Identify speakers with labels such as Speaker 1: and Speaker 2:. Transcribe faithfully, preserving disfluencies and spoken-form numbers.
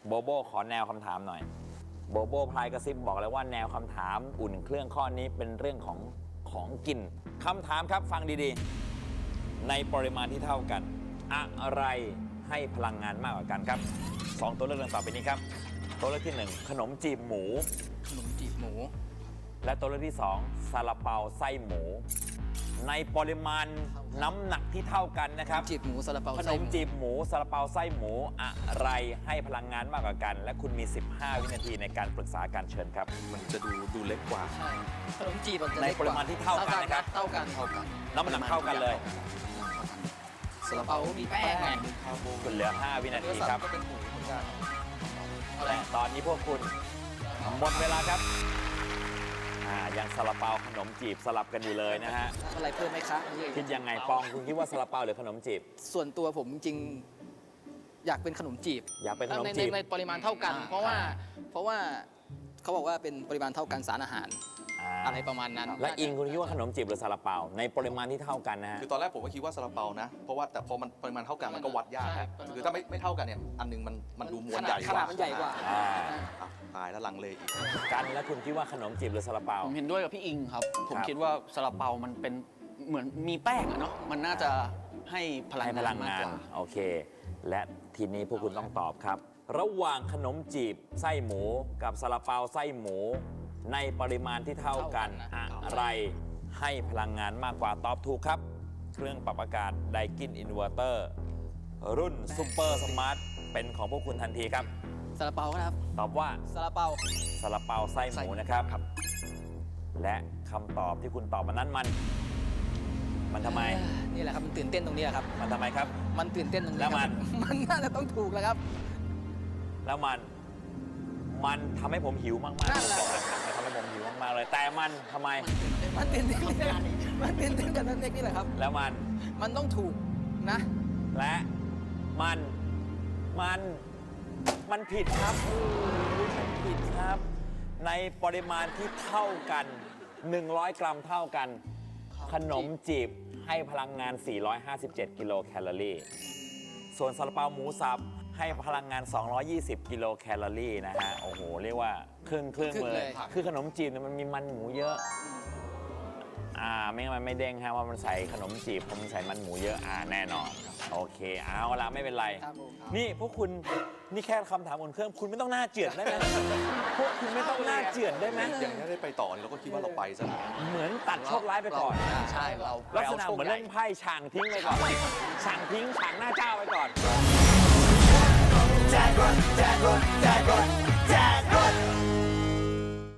Speaker 1: โบโบขอแนวคำถามหน่อยโบโบพลายกระซิบบอกเลยว่าแนวคำถามอุ่นเครื่องข้อนี้เป็นเรื่องของของกินคำถามครับฟังดีๆในปริมาณที่เท่ากันอะไรให้พลังงานมากกว่ากันครับสองตัวเลือกดังต่อไปนี้ครับตัวเลือกที่หนึ่งขนมจีบหมู
Speaker 2: ขนมจีบหมู
Speaker 1: และตัวเลือกที่สองซาลาเปาไส้หมู ในปริมาณน้ำหนักที่เท่ากันนะครับ
Speaker 2: จีบหมูซาลาเปา
Speaker 1: ขนมจีบหมูซาลาเปาไส้หมูอะไรให้พลังงานมากกว่ากัน และคุณมีสิบห้าวินาทีในการปรึกษาการเชิญครับ
Speaker 3: มันจะดูดูเล็กกว่า
Speaker 2: ใช่ขนมจีบมันจะ
Speaker 1: ใน
Speaker 2: เล็กก
Speaker 1: ป
Speaker 2: ว่า
Speaker 1: ริมาณที่เท่ากันนะครับ
Speaker 2: เท่ากันเท่ากัน
Speaker 1: น้ำหนักเท่ากันเลย
Speaker 2: ซาลาเปามีแป้งไง
Speaker 1: คุณเหลือห้าวินาทีครับ
Speaker 2: ก็เป็นหมูเหมือนกัน
Speaker 1: และตอนนี้พวกคุณหมดเวลาครับอ่ายังซาลาเปาขนมจีบสลับกันอยู่เลยนะฮะ
Speaker 2: อะไรเพิ่มไหมคะ
Speaker 1: คิดยังไงปองคุณคิดว่าซาลาเปาหรือขนมจีบ
Speaker 2: ส่วนตัวผมจริงๆอยากเป็นขนมจีบ
Speaker 1: อยากเป็นขนม
Speaker 2: ใน
Speaker 1: จีบ
Speaker 2: ในในปริมาณเท่ากัน เพราะว่าเพราะว่าเขาบอกว่าเป็นปริมาณเท่ากันสารอาหาร
Speaker 1: อ่า
Speaker 2: อะไรประมาณนั้น
Speaker 1: และอิงคุณคิดว่าขนมจีบหรือซาลาเปาในปริมาณที่เท่ากันนะฮะ
Speaker 3: คือตอนแรกผมก็คิดว่าซาลาเปานะ เพราะว่าแต่พอมันปริมาณเท่ากันมันก็วัดยากนะคือถ้าไม่ไม่เท่ากันเนี่ย อันหนึงมันมันดูมวลใหญ่
Speaker 2: ขนาดมันใหญ่กว่า
Speaker 1: อ่า
Speaker 3: อ่ะตายแล้วลังเลอีก
Speaker 1: กันแล้วคุณคิดว่าขนมจีบหรือซาลาเปา
Speaker 4: ผมเห็นด้วยกับพี่อิงครับ ผม
Speaker 1: ครับ
Speaker 4: คิดว่าซาลาเปามันเป็นเหมือนมีแป้งอะเนาะ มันน่าจะให้พลัง
Speaker 1: ให้พ
Speaker 4: งา
Speaker 1: ลั
Speaker 4: น
Speaker 1: ง
Speaker 4: มาก
Speaker 1: งาก น
Speaker 4: ว่า
Speaker 1: โอเค และทีนี้พวกคุณต้องตอบครับ ระหว่างขนมจีบไส้หมูกับซาลาเปาไส้หมู ในปริมาณที่เท่ากัน
Speaker 2: เท่ากันนะ
Speaker 1: อะไรให้พลังงานมากกว่าตอบถูกครับ เครื่องปรับอากาศไดกินอินเวอร์เตอร์รุ่นซูเปอร์สมาร์ทเป็นของพวกคุณทันทีครับ
Speaker 2: ซาลาเปาครับ
Speaker 1: ตอบว่า
Speaker 2: ซาลาเปา
Speaker 1: ซาลาเปาไส้หมูนะครับ และคำตอบที่คุณตอบมานั้นมัน มันทำไม
Speaker 2: นี่แหละครับมันตื่นเต้นตรงนี้แหละครับ
Speaker 1: มันทำไมครับ
Speaker 2: มันตื่นเต้นตรงนี้
Speaker 1: แล้วมัน
Speaker 2: ครับ มันน่าจะต้องถูกแล้วครับ
Speaker 1: แล้วมัน มันทำให้ผมหิวมากๆ
Speaker 2: นั่นแหละ
Speaker 1: ผมบอกเลยมันทำให้ผมหิวมากๆเลย แต่มันทำไม
Speaker 2: มันตื่นเต้นมันตื่นเต้นกันนั่นเองนี่แหละครับ
Speaker 1: แล้วมัน
Speaker 2: มันต้องถูกนะ
Speaker 1: และมัน มัน มันผิดครับโอ้ยมันผิดครับ ในปริมาณที่เท่ากัน หนึ่งร้อย กรัมเท่ากัน ขนมจีบให้พลังงาน สี่ร้อยห้าสิบเจ็ด กิโลแคลอรี่ ส่วนซาลาเปาหมูสับให้พลังงาน สองร้อยยี่สิบ กิโลแคลอรี่นะฮะ โอ้โห เรียกว่าครึ่งครึ่ง
Speaker 2: ครึ่ง
Speaker 1: เล
Speaker 2: เลย ย
Speaker 1: คือขนมจีบเนี่ยมันมีมันหมูเยอะ อ่า ไม่งั้นมันไม่เด้งฮะว่ามันใส่ขนมจีบเพราะมันใส่มันหมูเยอะ อ่า แน่นอน โอเค เอาละไม่เป็นไร
Speaker 2: ครับผม
Speaker 1: นี่พวกคุณ นี่แค่คำถามบนเครื่อง คุณไม่ต้องหน้าเจือดได้ไหม พวกคุณไม่ต้องหน้าเจือดได้ไหม
Speaker 3: อย่างนี้ได้ไปต่อเนี่ยเราก็คิดว่าเราไปซะแล้ว
Speaker 1: เหมือนตัดโชคร้ายไปก่อน
Speaker 4: ใช่ เรา
Speaker 1: ลักษณะเหมือนเล่นไพ่ฉางทิ้งไปก่อนฉางทิ้งฉางหน้าเจ้าไปก่อน
Speaker 5: Jack Run, Jack Run.